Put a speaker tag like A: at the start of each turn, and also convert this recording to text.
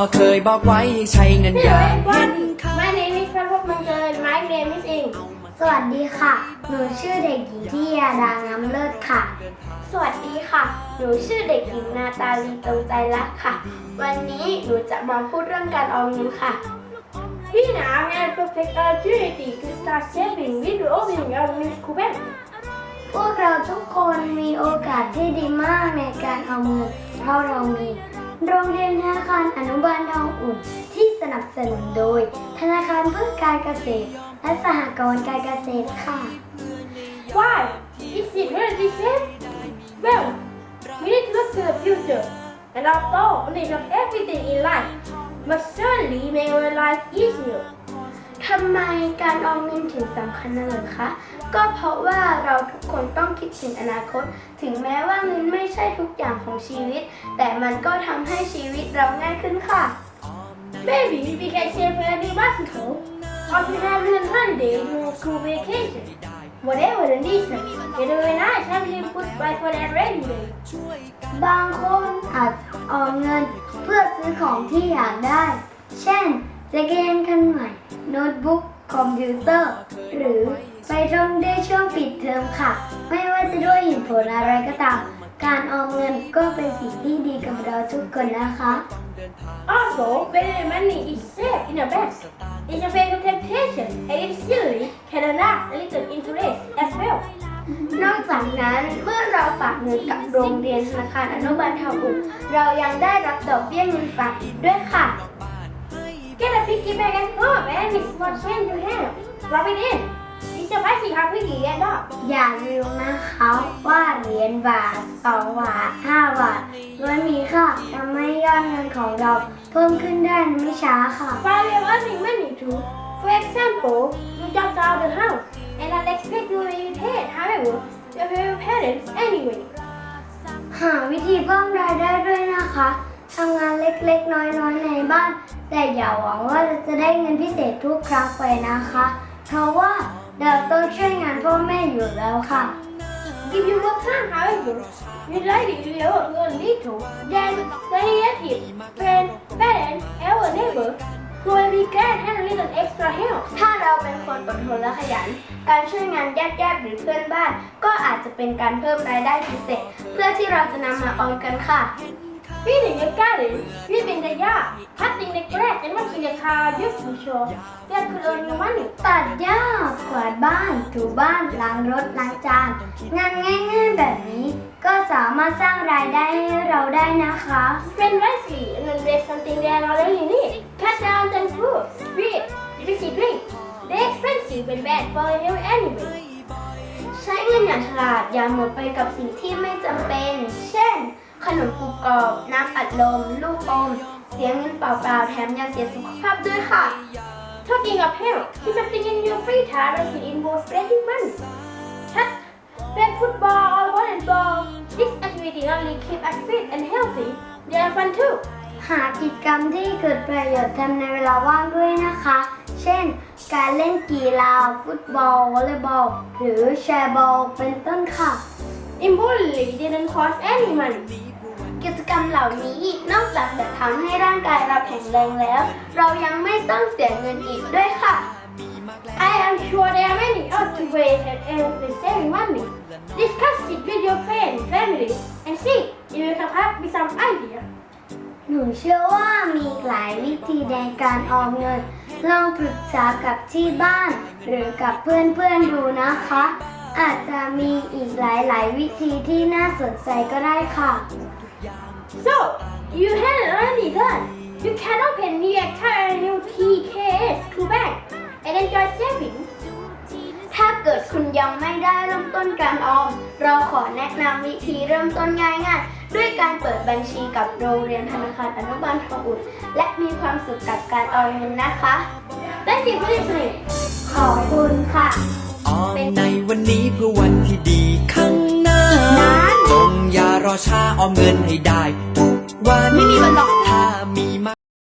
A: เคยบอกไว้ให้ใช้เงินอย่างเห็น
B: My name is พระพบมังเกิด My name is Ing
C: สวัสดีค่ะ หนูชื่อเด็กหญิงทิยาดางามเลิศค่ะ
B: สวัสดีค่ะ หนูชื่อเด็กหญิงนาตาลีจงใจรักค่ะ วันนี้หนูจะมาพูดเรื่องการออมเงินค่ะ We now have perfect opportunity to start saving with the opening of Miss Kuban
C: พวกเราทุกคนมีโอกาสที่ดีมากในการเอาเงินเพราะเรามีโรงเรียนธนาคารอนุบาลทองอุ่นที่สนับสนุนโดยธนาคารเพื่อการเกษตรและสหกรณ์การเกษตรค่ะ
B: Why? Is it really safe? Well, we need to look to the future, and although knowledge of everything in life must certainly make our life easier. ทำไมการออมเงินถึงสำคัญนะเหรอคะ ก็เพราะว่าเราทุกคนต้องคิดถึงอนาคต ถึงแม้ว่าเงินไม่ใช่ทุกอย่างของชีวิต แต่มันก็ทำให้ชีวิตเราง่ายขึ้นค่ะ Maybe we can save for a new bicycle, or to have a holiday during school vacation. Whatever the reason, it would be nice having input by for that rainy day.
C: บางคนอาจจะออมเงินเพื่อซื้อของที่อยากได้ เช่นจักรยานคันใหม่ โน้ตบุ๊ก คอมพิวเตอร์ หรือไปท่องได้ช่วงปิดเทอมค่ะ ไม่ว่าจะด้วยเหตุผลอะไรก็ตาม การออมเงินก็เป็นสิ่งที่ดีกับเราทุกคนนะคะ
B: Also, when the money is saved in a bank, it's a face of temptation, and it silly can earn a little interest as well. นอกจากนั้นเมื่อเราฝากเงินกับโรงเรียนธนาคารอนุบาลทองอุ่นเรายังได้รับดอกเบี้ยเงินฝากอีกด้วยค่ะ Get a piggy bank at home and it's what change you have. Drop it in. It's a basic how piggy get up.
C: อย่าลืมนะคะว่าเหรียญบาท2 บาท 5 บาทล้วนมีค่าทำให้ยอดเงินของเราเพิ่มขึ้นได้ไม่ช้าค่ะ
B: While we are earning money too, for example, you jump out of the house and not expect you will be paid. However, you pay your parents anyway.
C: หาวิธีเพิ่มรายได้ด้วยนะคะทำงานเล็กๆ น้อยๆ ในบ้าน แต่อย่าหวังว่าจะได้เงินพิเศษทุกครั้งไปนะคะ เพราะว่าเราต้องช่วยงานพ่อแม่อยู่แล้วค่ะ
B: If you work hard, however, you're likely to be able to earn little, then the relative, friend, parent, or neighbor who will be glad to have a little extra help. ถ้าเราเป็นคนอดทนและขยัน การช่วยงานญาติๆหรือเพื่อนบ้าน ก็อาจจะเป็นการเพิ่มรายได้พิเศษ เพื่อที่เราจะนำมาออมกันค่ะ Feeding your garden, sweeping the yard, cutting the grass, and washing the car just to show that could earn you money.
C: ตัดหญ้ากวาดบ้าน ถูบ้าน ล้างรถ ล้างจาน งานง่ายๆแบบนี้ ก็สามารถสร้างรายได้ให้เราได้นะคะ
B: Spend wisely and invest something that already need. Cut down on food, sweet, fizzy drink. They're expensive and bad for your health anyway. ใช้เงินอย่างฉลาดอย่าหมดไปกับสิ่งที่ไม่จำเป็น เช่น ขนมกรุบกรอบ น้ำอัดลม ลูกอม เสียเงินเปล่าๆ แถมยังเสียสุขภาพด้วยค่ะ Talking of health, do something in your free time that involves spending money. Play football or volleyball. This activity not only keep us fit and healthy, they are fun too.
C: หากิจกรรมที่เกิดประโยชน์ทำในเวลาว่างด้วยนะคะ เช่น การเล่นกีฬา ฟุตบอล วอลเลย์บอล หรือแชร์บอล เป็นต้นค่ะ
B: Importantly, didn't cost any money. กิจกรรมเหล่านี้นอกจากจะทำให้ร่างกายเราแข็งแรงแล้ว เรายังไม่ต้องเสียเงินอีกด้วยค่ะ I am sure there are many other ways that earn the saving money. Discuss it with your friends, family, and see if you can come up with some idea.
C: หนูเชื่อว่ามีหลายวิธีในการออมเงิน ลองปรึกษากับที่บ้าน หรือกับเพื่อนๆดูนะคะ อาจจะมีอีกหลายๆวิธีที่น่าสนใจก็ได้ค่ะ
B: So, you haven't already done. You can open the entire new TKS to bank and enjoy saving. ถ้าเกิดคุณยังไม่ได้เริ่มต้นการออม เราขอแนะนำวิธีเริ่มต้นง่ายๆ ด้วยการเปิดบัญชีกับโรงเรียนธนาคารอนุบาลทองอุ่น และมีความสุขกับการออมเงินนะคะ Thank you for listening.
C: ขอบคุณค่ะ
A: ออมในวันนี้เพื่อวันที่ดีข้างหน้าจงอย่ารอช้าออมเงินให้ได้